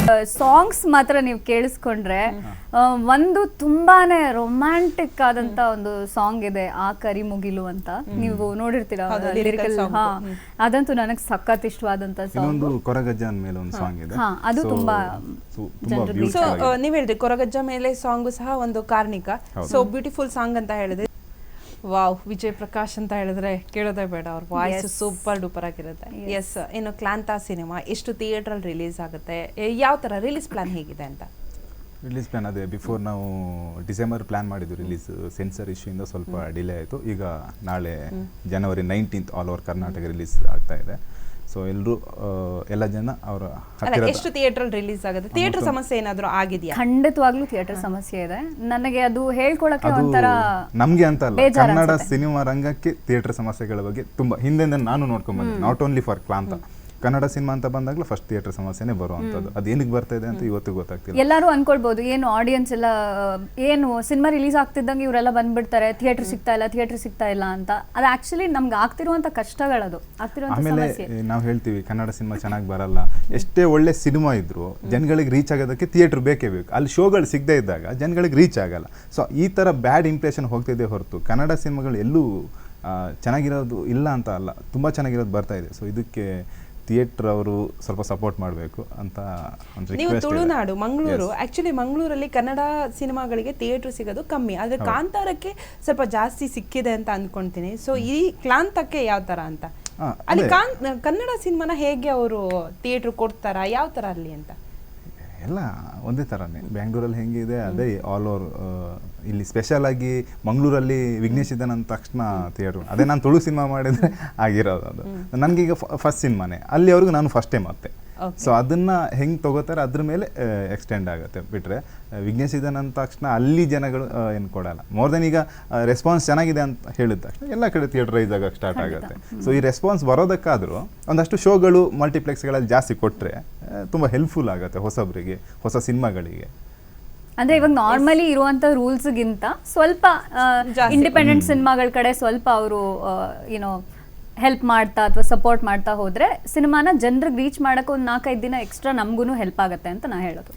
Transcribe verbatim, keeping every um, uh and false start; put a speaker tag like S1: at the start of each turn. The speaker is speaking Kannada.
S1: ಸಾಂಗ್ಸ್ ಮಾತ್ರ ನೀವು ಕೇಳಿಸ್ಕೊಂಡ್ರೆ ಆ, ಒಂದು ತುಂಬಾನೇ ರೊಮ್ಯಾಂಟಿಕ್ ಆದಂತ ಒಂದು ಸಾಂಗ್ ಇದೆ ಆ ಕರಿ ಮುಗಿಲು ಅಂತ, ನೀವು ನೋಡಿರ್ತೀರಾ ಲಿರಿಕಲ್. ಹಾ, ಅದಂತೂ ನನಗೆ ಸಖತ್ ಇಷ್ಟವಾದಂತ ಸಾಂಗ್.
S2: ಇನ್ನೊಂದು ಕೊರಗಜ್ಜನ್ ಮೇಲೆ ಒಂದು ಸಾಂಗ್ ಇದೆ.
S1: ಹಾ, ಅದು
S2: So,
S1: ತುಂಬಾ
S2: so, ತುಂಬಾ
S3: ಸೊ
S2: beautiful ಆಗಿದೆ.
S3: ನೀವ್ ಹೇಳಿದ್ರಿ ಕೊರಗಜ್ಜ ಮೇಲೆ ಸಾಂಗು ಸಹ ಒಂದು ಕಾರ್ಣಿಕ, ಸೊ ಬ್ಯೂಟಿಫುಲ್ ಸಾಂಗ್ ಅಂತ ಹೇಳಿದ್ರೆ ವಾವ್, ವಿಜಯ್ ಪ್ರಕಾಶ್ ಅಂತ ಹೇಳಿದ್ರೆ ಕೇಳೋದೇ ಬೇಡ, ಅವ್ರ ವಾಯ್ಸ್ ಸೂಪರ್ ಡೂಪರ್ ಆಗಿರುತ್ತೆ. ಎಸ್, ಇನ್ನು ಕ್ಲಾಂತ ಸಿನಿಮಾ ಎಷ್ಟು ಥಿಯೇಟರ್ ಅಲ್ಲಿ ರಿಲೀಸ್ ಆಗುತ್ತೆ, ಯಾವ ತರ ರಿಲೀಸ್ ಪ್ಲಾನ್ ಹೇಗಿದೆ ಅಂತ?
S2: ರಿಲೀಸ್ ಪ್ಲಾನ್ ಅದೇ ಬಿಫೋರ್ ನಾವು ಡಿಸೆಂಬರ್ ಪ್ಲಾನ್ ಮಾಡಿದ್ದು ರಿಲೀಸ್, ಸೆನ್ಸರ್ ಇಶ್ಯೂ ಇಂದ ಸ್ವಲ್ಪ ಡಿಲೇ ಆಯಿತು. ಈಗ ನಾಳೆ January nineteenth all over Karnataka release ಆಗ್ತಾ ಇದೆ. ಸೊ ಎಲ್ಲರೂ ಎಲ್ಲ ಜನ ಅವರ
S3: ಅಲ್ಲ, ಎಷ್ಟು ಥಿಯೇಟರ್ ರಿಲೀಸ್ ಆಗುತ್ತೆ? ಥಿಯೇಟರ್ ಸಮಸ್ಯೆ ಏನಾದರೂ ಆಗಿದೆಯಾ?
S1: ಖಂಡಿತವಾಗ್ಲೂ ಥಿಯೇಟರ್ ಸಮಸ್ಯೆ ಇದೆ. ನನಗೆ ಅದು ಹೇಳ್ಕೊಳಕ್ಕೆ
S2: ಅದು
S1: ಒಂಥರ
S2: ನಮ್ಗೆ ಅಂತ ಅಲ್ಲ,
S1: ಬೇಜಾರ್
S2: ಕನ್ನಡ
S1: ಅನ್ಸುತ್ತೆ.
S2: ಸಿನಿಮಾ ರಂಗಕ್ಕೆ ಥಿಯೇಟರ್ ಸಮಸ್ಯೆಗಳ ಬಗ್ಗೆ ತುಂಬಾ ಹಿಂದೆಂದ ನಾನು ನೋಡ್ಕೊಂಡ್ ಬಂದೆ. Not only for Klaantha, Kannada cinema ಅಂತ ಬಂದಾಗಲೂ ಫಸ್ಟ್ ಥಿಯೇಟರ್ ಸಮಸ್ಯೆನೇ ಬರುವಂಥದ್ದು. ಅದು ಏನಕ್ಕೆ ಬರ್ತಾ ಇದೆ ಅಂತ ಇವತ್ತು ಗೊತ್ತಾಗ್ತಿಲ್ಲ.
S1: ಎಲ್ಲರೂ ಅನ್ಕೊಳ್ಬಹುದು, ಏನು ಆಡಿಯನ್ಸ್ ಎಲ್ಲ ಏನು ಸಿನಿಮಾ ರಿಲೀಸ್ ಆಗ್ತಿದ್ದಂಗೆ ಇವರೆಲ್ಲ ಬಂದ್ಬಿಡ್ತಾರೆ, ಥಿಯೇಟರ್ ಸಿಗ್ತಾ ಇಲ್ಲ ಥಿಯೇಟರ್ ಸಿಗ್ತಾ ಇಲ್ಲ ಅಂತ. ಅದು ಆಕ್ಚುಲಿ ನಮ್ಗೆ ಆಗ್ತಿರುವಂತ ಕಷ್ಟಗಳದು, ಆಗ್ತಿರುವಂತ
S2: ಆಮೇಲೆ
S1: ಸಮಸ್ಯೆ.
S2: ನಾವು ಹೇಳ್ತೀವಿ ಕನ್ನಡ ಸಿನಿಮಾ ಚೆನ್ನಾಗಿ ಬರಲ್ಲ, ಎಷ್ಟೇ ಒಳ್ಳೆ ಸಿನಿಮಾ ಇದ್ರು ಜನಗಳಿಗೆ ರೀಚ್ ಆಗೋದಕ್ಕೆ ಥಿಯೇಟರ್ ಬೇಕೇ ಬೇಕು. ಅಲ್ಲಿ ಶೋಗಳು ಸಿಗದೇ ಇದ್ದಾಗ ಜನಗಳಿಗೆ ರೀಚ್ ಆಗಲ್ಲ. ಸೊ ಈ ಥರ ಬ್ಯಾಡ್ ಇಂಪ್ರೆಷನ್ ಹೋಗ್ತಿದೆ ಹೊರತು ಕನ್ನಡ ಸಿನಿಮಾಗಳು ಎಲ್ಲೂ ಆ, ಚೆನ್ನಾಗಿರೋದು ಇಲ್ಲ ಅಂತ ಅಲ್ಲ, ತುಂಬ ಚೆನ್ನಾಗಿರೋದು ಬರ್ತಾ ಇದೆ. ಸೊ ಇದಕ್ಕೆ ಥಿಯೇಟರ್ ಅವರು ಸ್ವಲ್ಪ ಸಪೋರ್ಟ್ ಮಾಡಬೇಕು ಅಂತ ಒಂದು
S3: ನೀವು
S2: ರಿಕ್ವೆಸ್ಟ್.
S3: ತುಳುನಾಡು ಮಂಗಳೂರು, ಆಕ್ಚುಲಿ ಮಂಗಳೂರಲ್ಲಿ ಕನ್ನಡ ಸಿನಿಮಾಗಳಿಗೆ ಥಿಯೇಟರ್ ಸಿಗೋದು ಕಮ್ಮಿ, ಆದ್ರೆ ಕಾಂತಾರಕ್ಕೆ ಸ್ವಲ್ಪ ಜಾಸ್ತಿ ಸಿಕ್ಕಿದೆ ಅಂತ ಅಂದ್ಕೊಂತೀನಿ. ಸೊ ಈ ಕ್ಲಾಂತಕ್ಕೆ ಯಾವ ತರ ಅಂತ
S2: ಹಾ,
S3: ಅಲ್ಲಿ
S2: ಅದೇ.
S3: ಕಾನ್ ಕನ್ನಡ ಸಿನಿಮಾನ ಹೇಗೆ ಅವರು ಥಿಯೇಟರ್ ಕೊಡ್ತಾರಾ, ಯಾವ ತರ ಅಲ್ಲಿ ಅಂತ?
S2: ಎಲ್ಲ ಒಂದೇ ಥರನೇ, ಬ್ಯಾಂಗ್ಳೂರಲ್ಲಿ ಹೆಂಗಿದೆ ಅದೇ ಆಲ್ ಓವರ್. ಇಲ್ಲಿ ಸ್ಪೆಷಲ್ ಆಗಿ ಮಂಗಳೂರಲ್ಲಿ ವಿಘ್ನೇಶ್ ಇದ್ದಾನೆ ಅಂದ ತಕ್ಷಣ ಥಿಯೇಟ್ರ್, ಅದೇ ನಾನು ತುಳು ಸಿನಿಮಾ ಮಾಡಿದರೆ ಆಗಿರೋದು ಅದು. ನನಗೀಗ ಫಸ್ಟ್ ಸಿನಿಮಾನೇ, ಅಲ್ಲಿವರೆಗೂ ನಾನು ಫಸ್ಟ್ ಟೈಮ್ ಮತ್ತೆ. ಸೊ ಅದನ್ನ ಹೆಂಗೆ ತಗೋತಾರೆ ಅದ್ರ ಮೇಲೆ ಎಕ್ಸ್ಟೆಂಡ್ ಆಗುತ್ತೆ ಬಿಟ್ಟರೆ ವಿಘ್ನೇಶ್ ಇದ್ದಾನೆ ಅಂದ ತಕ್ಷಣ ಅಲ್ಲಿ ಜನಗಳು ಏನು ಕೊಡಲ್ಲ. ಮೋರ್ ದೆನ್ ಈಗ ರೆಸ್ಪಾನ್ಸ್ ಚೆನ್ನಾಗಿದೆ ಅಂತ ಹೇಳಿದ ತಕ್ಷಣ ಎಲ್ಲ ಕಡೆ ಥಿಯೇಟ್ರೈಸ್ ಆಗಕ್ಕೆ ಸ್ಟಾರ್ಟ್ ಆಗುತ್ತೆ. ಸೊ ಈ ರೆಸ್ಪಾನ್ಸ್ ಬರೋದಕ್ಕಾದರೂ ಒಂದಷ್ಟು ಶೋಗಳು ಮಲ್ಟಿಪ್ಲೆಕ್ಸ್ಗಳಲ್ಲಿ ಜಾಸ್ತಿ ಕೊಟ್ಟರೆ ತುಂಬ ಹೆಲ್ಪ್ಫುಲ್ ಆಗುತ್ತೆ ಹೊಸಬ್ರಿಗೆ, ಹೊಸ ಸಿನಿಮಾಗಳಿಗೆ.
S1: ಅಂದ್ರೆ ಇವಾಗ ನಾರ್ಮಲಿ ಇರುವಂತ ರೂಲ್ಸ್ ಗಿಂತ ಸ್ವಲ್ಪ ಇಂಡಿಪೆಂಡೆಂಟ್ ಸಿನಿಮಾಗಳ ಕಡೆ ಸ್ವಲ್ಪ ಅವರು ಏನೋ ಹೆಲ್ಪ್ ಮಾಡ್ತಾ ಅಥವಾ ಸಪೋರ್ಟ್ ಮಾಡ್ತಾ ಹೋದ್ರೆ ಸಿನಿಮಾನ ಜನರಿಗೆ ರೀಚ್ ಮಾಡಕ್ಕೆ ಒಂದು ನಾಲ್ಕೈದು ದಿನ ಎಕ್ಸ್ಟ್ರಾ ನಮಗೂ ಹೆಲ್ಪ್ ಆಗುತ್ತೆ ಅಂತ ನಾ ಹೇಳೋದು.